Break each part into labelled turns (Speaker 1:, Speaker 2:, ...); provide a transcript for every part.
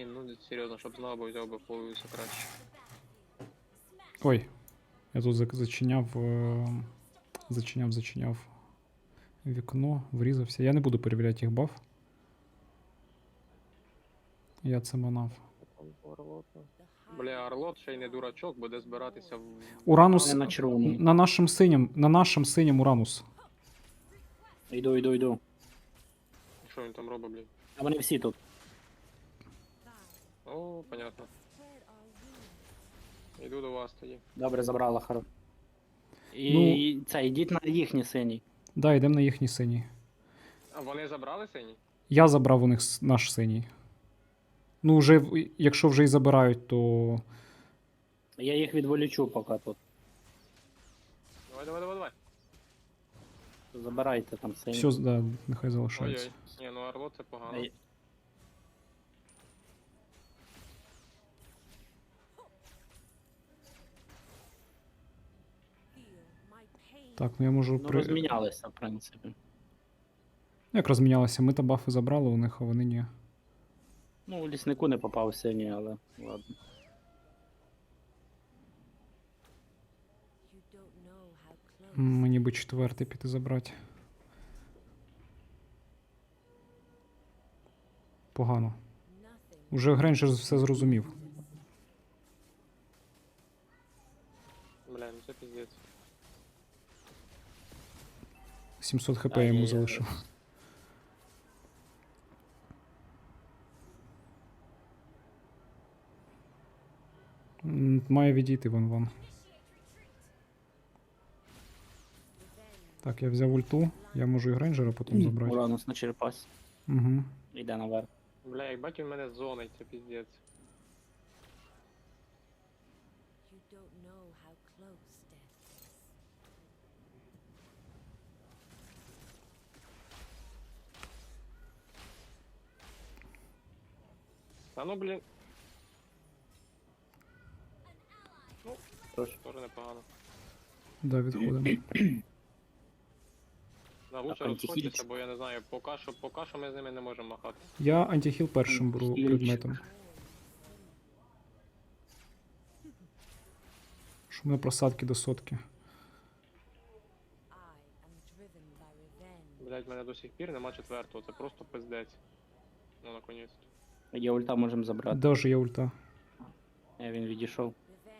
Speaker 1: Блін, ну серйозно, щоб знову би взяв би фулюся краще.
Speaker 2: Ой, я тут зачиняв, зачиняв вікно, врізався. Я не буду перевіряти їх баф. Я це манав.
Speaker 1: Бля, Орлот ще й не дурачок, буде збиратися в...
Speaker 2: Уранус
Speaker 3: Не на червоному.
Speaker 2: на нашим синім Уранус.
Speaker 3: Йду.
Speaker 1: Що він там робить, блін?
Speaker 3: А вони всі тут.
Speaker 1: О, понятно. Йду до вас тоді.
Speaker 3: Добре, забрала хоро. І це, йдіть на їхній синій.
Speaker 2: Да, йдемо на їхній синій.
Speaker 1: А вони забрали синій?
Speaker 2: Я забрав у них наш синій. Ну, вже, якщо вже і забирають, то.
Speaker 3: Я їх відволічу поки тут.
Speaker 1: Давай.
Speaker 3: Забирайте там синій.
Speaker 2: Все, да, нехай залишається.
Speaker 1: Ой-ой. Ні, ну Орлот це погано.
Speaker 3: Ей.
Speaker 2: Так, ну я можу
Speaker 3: Ну, розмінялися, в принципі.
Speaker 2: Як розмінялися? Ми та бафи забрали у них, а вони ні.
Speaker 3: Ну, у ліснику не попав синій, але ладно.
Speaker 2: Мені би четвертий піти забрати. Погано. Уже Грейнджер все зрозумів.
Speaker 1: Бля, ну це піздець.
Speaker 2: 700 хп
Speaker 3: Ай-яй-яй.
Speaker 2: йому залишив. Має відійти вон. Так, я взяв ульту. Я можу і Грейнджера потім забрати.
Speaker 3: Уранус на черепасі.
Speaker 2: Угу.
Speaker 3: Йде наверх.
Speaker 1: Бля, як бать він мене зонить, це піздець. Та ну, блін. Ну,
Speaker 3: Тож.
Speaker 1: теж непогано.
Speaker 2: Да, відходимо.
Speaker 1: Да, лучше
Speaker 3: Так, антихіль.
Speaker 1: розходьтеся, бо я не знаю, поки що ми з ними не можемо махати.
Speaker 2: Я антихіл першим беру
Speaker 3: Антихіль.
Speaker 2: предметом. Що в мене просадки до сотки.
Speaker 1: Блять, в мене до сих пір нема четвертого, це просто пиздець. Ну, наконець.
Speaker 3: Є ульта, можемо забрати.
Speaker 2: Даже є ульта.
Speaker 3: Він відійшов.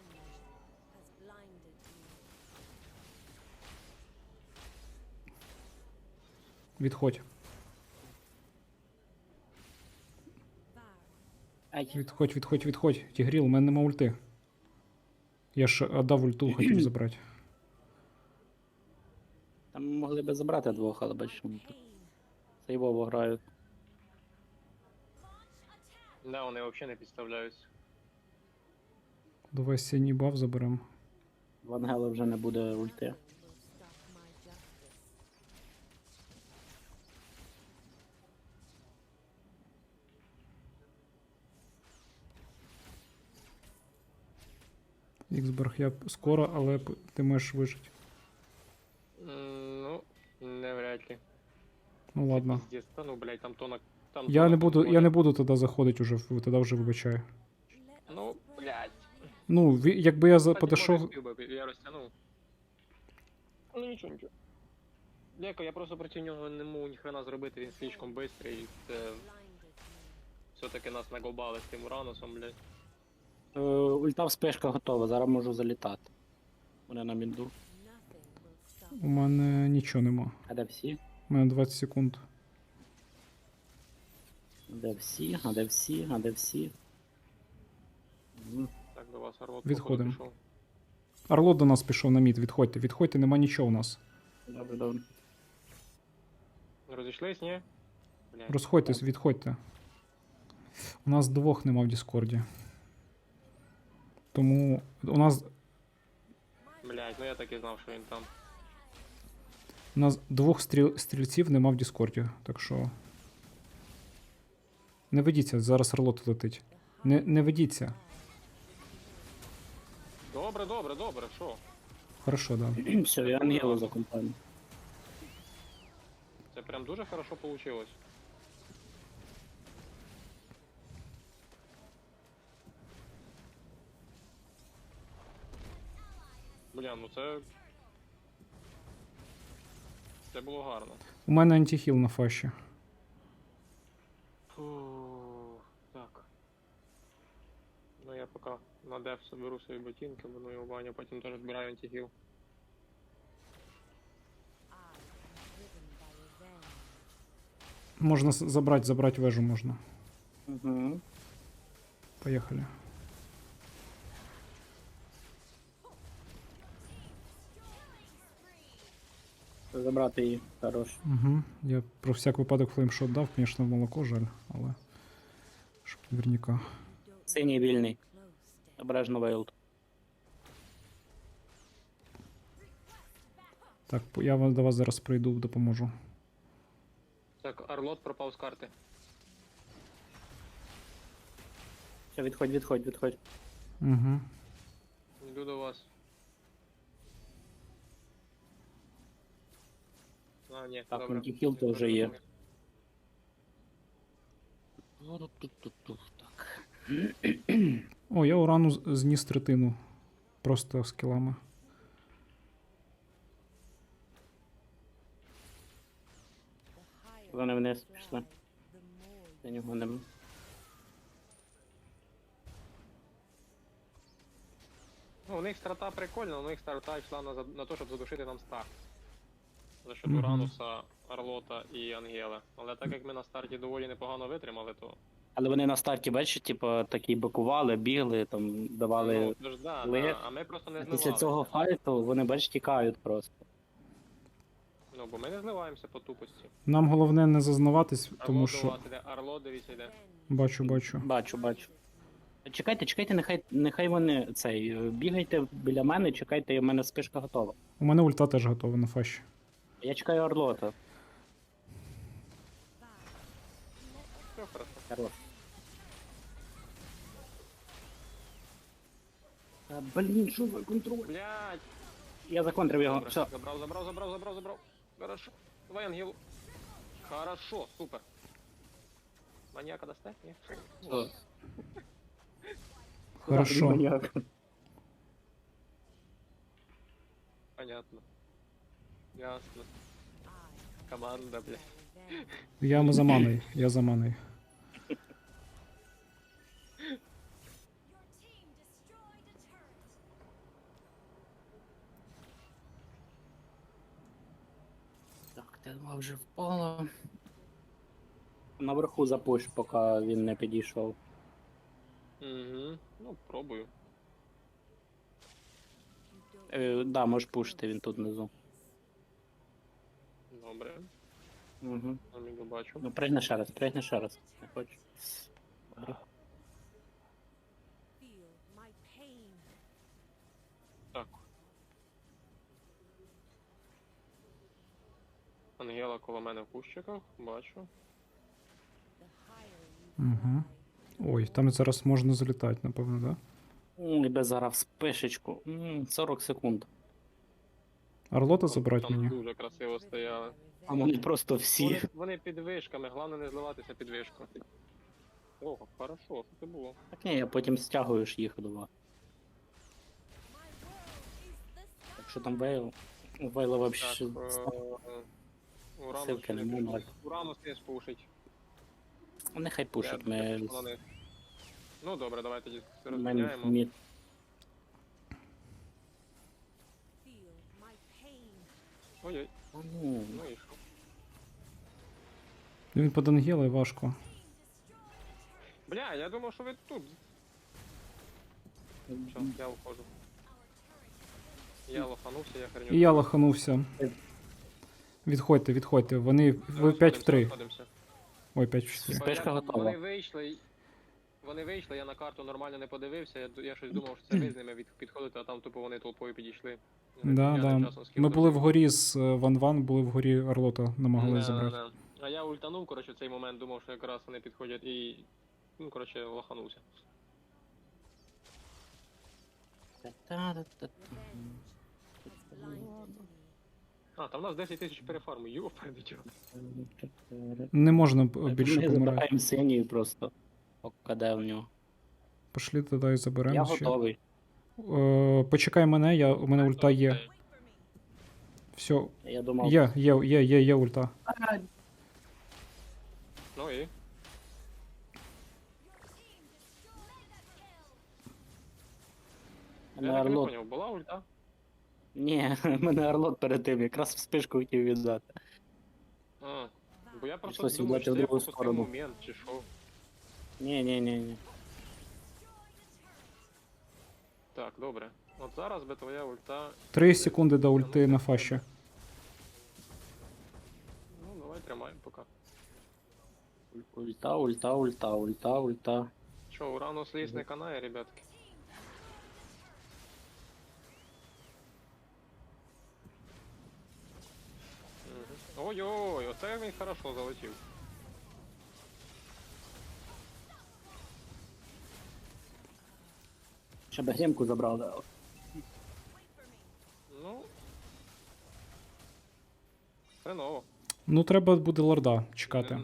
Speaker 2: Відходь.
Speaker 3: Ай,
Speaker 2: Відходь. Тігріл, у мене нема ульти. Я ж отдав ульту, хотів забрати.
Speaker 3: там могли би забрати двох, але бачиш, вони тут сейвово грають.
Speaker 1: Да, вони взагалі не підставляються.
Speaker 2: Давай синій баф заберемо.
Speaker 3: В Ангела вже не буде ульти.
Speaker 2: Іксберг, я скоро, але ти можеш вижити.
Speaker 1: Ну, не вряд ли.
Speaker 2: Ну ладно.
Speaker 1: Пиздец, та ну, блядь, там тонок. Там
Speaker 2: Я
Speaker 1: тонок
Speaker 2: не
Speaker 1: контроля.
Speaker 2: буду тоді заходити уже, тоді вже вибачаю.
Speaker 1: Ну, блядь.
Speaker 2: Ну, якби я
Speaker 1: Кстати,
Speaker 2: підійшов.
Speaker 1: може, спів би, я розтягнув. Ну нічого. Деко, я просто проти нього не можу ніхрена зробити, він слишком бистрий. Це... Все-таки нас наголбали з тим Уранусом, блядь.
Speaker 3: Ульта вспишка готова, зараз можу залітати. Вони на мінду.
Speaker 2: У мене нічого нема.
Speaker 3: А де всі?
Speaker 2: У мене 20 секунд.
Speaker 3: Де всі? А де всі? А де всі?
Speaker 1: Так, до вас Орлот
Speaker 2: Відходимо.
Speaker 1: походу, пішов.
Speaker 2: Орлот до нас пішов на мід, відходьте, нема нічого у нас.
Speaker 3: Добре.
Speaker 1: Розійшлись, ні? Блядь.
Speaker 2: Розходьтесь, відходьте. У нас двох нема в Діскорді. Тому у нас
Speaker 1: Блядь, ну я так і знав, що він там.
Speaker 2: двох стрільців нема в Діскорді, так що. Не ведіться, зараз Орлот летить. Не ведіться.
Speaker 1: Добре, що?
Speaker 2: Хорошо, да.
Speaker 3: Все, я Ангелу за компанію.
Speaker 1: Це прям дуже хорошо получилось. Бля, ну це. Це було гарно.
Speaker 2: У мене антихіл на фаші.
Speaker 1: Фу, так. Ну я поки на деф соберу свої ботинки, буду його баню, потім теж збираю антигіл.
Speaker 2: Можна забрати вежу можна.
Speaker 3: Угу.
Speaker 2: Поїхали.
Speaker 3: Забрати її. Хорош.
Speaker 2: Угу. Я про всяк випадок флеймшот дав, звісно, в молоко жаль, але. Щоб наверняка.
Speaker 3: Синій вільний. Обережно вейлд.
Speaker 2: Так, я до вас зараз прийду, допоможу.
Speaker 1: Так, Арлот пропав з карти.
Speaker 3: Все, відходь.
Speaker 2: Угу.
Speaker 1: Йду до вас. А, ні,
Speaker 3: Так,
Speaker 1: добре.
Speaker 3: антихіл то вже є. Так.
Speaker 2: О, я урану зніс третину. Просто скілами.
Speaker 3: Вони вниз пішли. За нього нема.
Speaker 1: Ну, у них старта прикольна, у них старта йшла на те, щоб задушити нам стак. За счет
Speaker 2: Мгм.
Speaker 1: Урануса, Арлота і Ангела. Але так як ми на старті доволі непогано витримали, то.
Speaker 3: Але вони на старті, бачиш, типу, такі бакували, бігли, там давали.
Speaker 1: Ну, тож, да,
Speaker 3: ли-
Speaker 1: да, а ми просто не
Speaker 3: А
Speaker 1: зливалися.
Speaker 3: після цього файту вони, бачиш, тікають просто.
Speaker 1: Ну, бо ми не зливаємося по тупості.
Speaker 2: Нам головне не зазнаватись, тому
Speaker 1: Арло
Speaker 2: що.
Speaker 1: до вас іде, Арло, дивіться, йде.
Speaker 2: Бачу.
Speaker 3: Бачу. Чекайте, нехай вони цей. Бігайте біля мене, чекайте, у мене спишка готова.
Speaker 2: У мене ульта теж готова на фаші.
Speaker 3: Я чекаю Орлота.
Speaker 1: Все хорошо.
Speaker 3: Хорош. Та, блін, що за контроль?
Speaker 1: Блядь!
Speaker 3: Я законтрив його.
Speaker 1: Добре,
Speaker 3: Все.
Speaker 1: забрав. Хорошо. Давай Ангелу. Хорошо, супер. Маньяка дасте? Ні?
Speaker 3: Все.
Speaker 2: Хорошо.
Speaker 1: Понятно. Ясно. Команда, блядь.
Speaker 2: Я за маной.
Speaker 3: Так, тема вже впала. Наверху запуш, поки він не підійшов.
Speaker 1: Угу. Ну, пробую.
Speaker 3: Да, можеш пушити, він тут внизу.
Speaker 1: Добре.
Speaker 3: Угу.
Speaker 1: Аміго бачу.
Speaker 3: Ну, пригни ще раз. Не хочу. Добре.
Speaker 1: Так. Ангела коло мене в кущиках, бачу.
Speaker 2: Угу. Ой, там зараз можна залітати, напевно, да?
Speaker 3: І без зараз спишечку. 40 секунд.
Speaker 2: Арлота забрати
Speaker 1: Там
Speaker 2: мені.
Speaker 1: дуже красиво стояли.
Speaker 3: А вони просто всі.
Speaker 1: Вони під вишками, головне не зливатися під вишку. О, хорошо, що це було?
Speaker 3: Так ні, я потім стягуєш їх два. Так що там Вейл? У Вейла вообще.
Speaker 1: Так, Уранус
Speaker 3: Силки
Speaker 1: не
Speaker 3: нема,
Speaker 1: пішов.
Speaker 3: так.
Speaker 1: Уранус не спушить.
Speaker 3: Нехай пушить,
Speaker 1: Я
Speaker 3: ми
Speaker 1: пішов на них. Ну добре, давай тоді
Speaker 3: ми
Speaker 1: розміняємо.
Speaker 3: мід.
Speaker 1: Ой-ой,
Speaker 3: Ну,
Speaker 1: ну і що?
Speaker 2: Він під Ангелою важко.
Speaker 1: Бля, я думав, що ви тут. Все, я уходжу. Я лоханувся, я херню.
Speaker 2: І я лоханувся. Відходьте. Вони ви 5 в 3.
Speaker 1: Розходимося.
Speaker 2: Ой, 5 в 4.
Speaker 3: Спешка готова.
Speaker 1: Вони вийшли, я на карту нормально не подивився, я щось думав, що це ви з ними підходите, а там тупо вони толпою підійшли. Я тим часом скинув
Speaker 2: Ми були
Speaker 1: всіх.
Speaker 2: вгорі з Ван, були вгорі Орлота, намагалися забрати.
Speaker 1: Да. А я ультанув, коротше, в цей момент думав, що якраз вони підходять і. Ну, коротше, лоханувся. А, там у нас 10 тисяч перефарму, йоперди чого.
Speaker 2: Не можна
Speaker 3: Ми
Speaker 2: більше помирати.
Speaker 3: забираємо синій просто. Пока де в нього.
Speaker 2: Пошли туди і заберемо
Speaker 3: Я
Speaker 2: ще.
Speaker 3: готовий.
Speaker 2: Почекай мене, у мене ульта є. Все,
Speaker 3: Я думав.
Speaker 2: є ульта.
Speaker 3: А,
Speaker 1: Ну і?
Speaker 3: мене
Speaker 1: Я так і не
Speaker 3: Орлот.
Speaker 1: поняв, була ульта?
Speaker 3: Ні, мене Орлот перед тим, якраз в спишку хотів віддати.
Speaker 1: А, бо я просто
Speaker 3: Прийшлось
Speaker 1: думав,
Speaker 3: віддати
Speaker 1: що
Speaker 3: в
Speaker 1: це я
Speaker 3: другу
Speaker 1: пропустив
Speaker 3: сторону.
Speaker 1: момент, чи що.
Speaker 3: Ні.
Speaker 1: Так, добре. От зараз би твоя ульта...
Speaker 2: 3 секунди до ульти на фаші.
Speaker 1: Ну, давай тримаємо поки.
Speaker 3: Ульта.
Speaker 1: Що, Уранус ліс не канає, ребятки? Мгм. Ой-ой, оце він хорошо залетів.
Speaker 3: Ще б гемку забрали.
Speaker 1: Ну... Хреново.
Speaker 2: Ну, треба буде лорда чекати.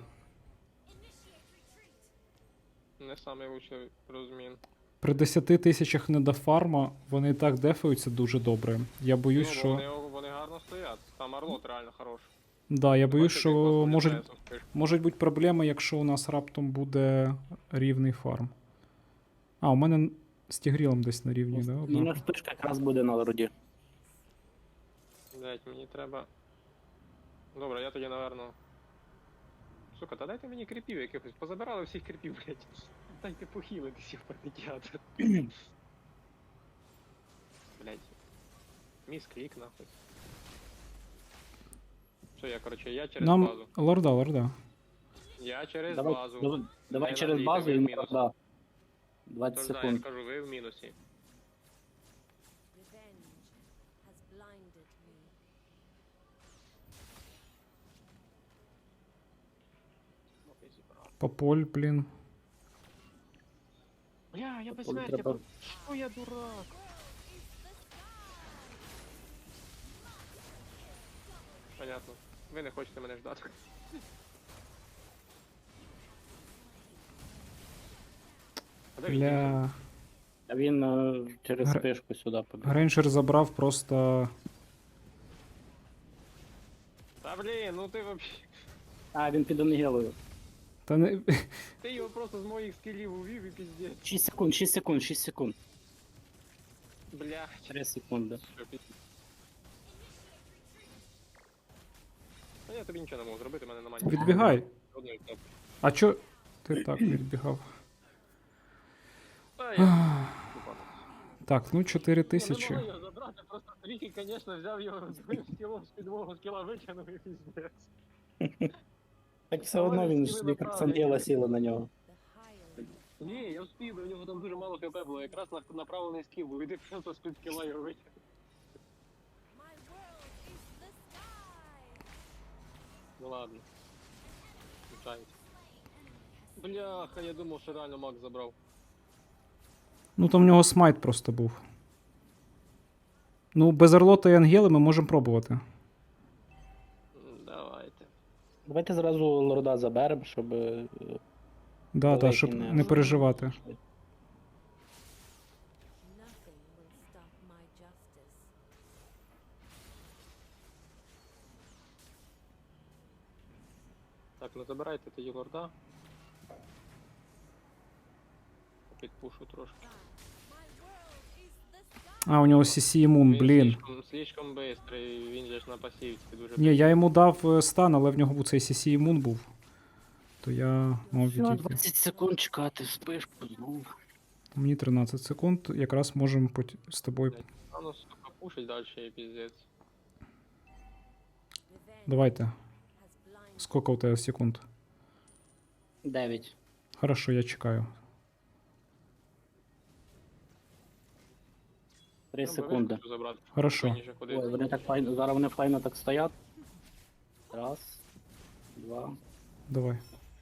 Speaker 1: Не самий лучший розмін.
Speaker 2: При 10 тисячах недофарма вони і так дефаються дуже добре. Я боюсь,
Speaker 1: Ну, бо
Speaker 2: що.
Speaker 1: вони гарно стоять. Там Орлот реально хорош.
Speaker 2: Да, я боюсь,
Speaker 1: Бачите,
Speaker 2: що
Speaker 1: як класно
Speaker 2: можуть,
Speaker 1: літає з спишкою.
Speaker 2: можуть бути проблеми, якщо у нас раптом буде рівний фарм. А, у мене з Тігрілом десь на рівні, да?
Speaker 3: Мінус
Speaker 2: однаково.
Speaker 3: спишка якраз буде на лорді.
Speaker 1: Блять, мені треба. Добре, я тоді, наверно. Сука, та дайте мені кріпів якихось. Позабирали всіх кріпів, блять. Дайте похилитися в патетіатр. Блять. Міс клік нахуй. Що я, короче, я через
Speaker 2: Нам
Speaker 1: базу.
Speaker 2: лорда.
Speaker 1: Я через
Speaker 3: Давай,
Speaker 1: базу.
Speaker 3: давай
Speaker 1: Не
Speaker 3: через
Speaker 1: надійте,
Speaker 3: базу
Speaker 1: ви
Speaker 3: і
Speaker 1: в мінус.
Speaker 3: да. 20
Speaker 1: Тож да, я
Speaker 3: секунд.
Speaker 1: ж кажу, ви в мінусі.
Speaker 4: Revenge has blinded me.
Speaker 2: Пополь, блін.
Speaker 1: Бля, я без
Speaker 3: Тобто
Speaker 1: смерті.
Speaker 3: треба-
Speaker 1: Що я дурак? Понятно. Ви не хочете мене ждати. А де він дівся?
Speaker 2: Бля.
Speaker 3: А він через
Speaker 2: Гр-
Speaker 3: спишку сюди побіг.
Speaker 2: Грейнджер забрав просто.
Speaker 1: Та блін, ну ти вообще.
Speaker 3: А, він під Ангелою.
Speaker 2: Та не.
Speaker 1: Ти його просто з моїх скілів увів і піздець.
Speaker 3: 6 секунд.
Speaker 1: Блядь.
Speaker 3: 3 секунди.
Speaker 1: Що піздець. Та я тобі нічого не можу зробити, мене немає.
Speaker 2: Відбігай.
Speaker 1: Одної кнопки.
Speaker 2: А чо. Ти так відбігав.
Speaker 1: Та я.
Speaker 2: Так, ну 4
Speaker 1: Не
Speaker 2: тисячі.
Speaker 1: могли його забрати, просто Тріхі, звісно, взяв його збив скілом з підвогу, скіла витягнув і піздець.
Speaker 3: Так все одно він ж як Ангела сіла на нього.
Speaker 4: The higher
Speaker 1: Ні, я встиг, у нього там дуже мало хп було, якраз направлений скіл був, і ти просто з-під скіла його витягнув.
Speaker 4: my world is the sky.
Speaker 1: Ну ладно. Звичайно. Бляха, я думав, що реально Макс забрав.
Speaker 2: Ну там в нього смайт просто був. Ну, без Орлота і Ангели ми можемо пробувати.
Speaker 1: Давайте.
Speaker 3: Давайте зразу лорда заберемо, щоб
Speaker 2: Да,
Speaker 3: далекі
Speaker 2: щоб не переживати.
Speaker 4: Nothing will stop my justice.
Speaker 1: Так, ну забирайте тоді лорда. Підпушу трошки.
Speaker 4: My world is the sky.
Speaker 2: А, у нього CC Moon, блін.
Speaker 1: Слишком бистрий, він же ж на пасівці дуже.
Speaker 2: Ні, я йому дав стан, але в нього був цей CC Moon був. То я мав
Speaker 3: Все,
Speaker 2: відійти.
Speaker 3: 20 секунд чекати спишку знову.
Speaker 2: Мені 13 секунд, якраз можемо з тобою.
Speaker 1: А ну сука, пушить далі і піздець.
Speaker 4: Revenge
Speaker 2: Давайте.
Speaker 4: has blinded.
Speaker 2: Скільки у тебе секунд?
Speaker 3: 9.
Speaker 2: Хорошо, я чекаю.
Speaker 3: 3
Speaker 1: Я би
Speaker 3: секунди.
Speaker 1: хочу забрати.
Speaker 2: Хорошо.
Speaker 1: Спокійніше ходити.
Speaker 3: Ой, вони так файно, зараз вони файно так стоять. Раз, два.
Speaker 2: Давай.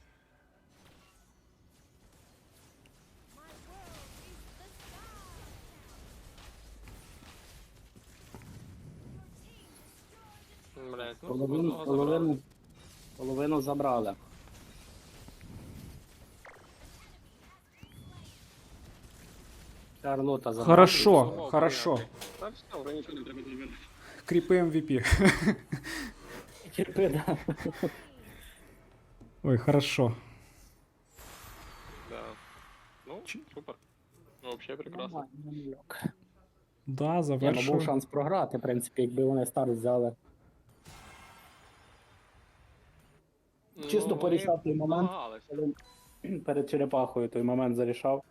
Speaker 1: Блять, ну
Speaker 3: Половину,
Speaker 1: одного забрали.
Speaker 3: половину забрали. Шарлота забрала.
Speaker 2: Хорошо,
Speaker 1: Думав,
Speaker 2: хорошо.
Speaker 1: прийняти. Та все, вже нічого не треба зробити.
Speaker 2: Кріпи MVP.
Speaker 3: Терпи, да.
Speaker 2: Ой, хорошо.
Speaker 1: Да. Ну, супер. Ну, взагалі прекрасно.
Speaker 3: Нормально, нормальок.
Speaker 2: Да,
Speaker 3: Ні, ну був
Speaker 2: завершую.
Speaker 3: шанс програти, в принципі, якби вони старт взяли. Чисто
Speaker 1: Ну,
Speaker 3: порішав той момент.
Speaker 1: намагалися.
Speaker 3: Коли перед черепахою той момент зарішав.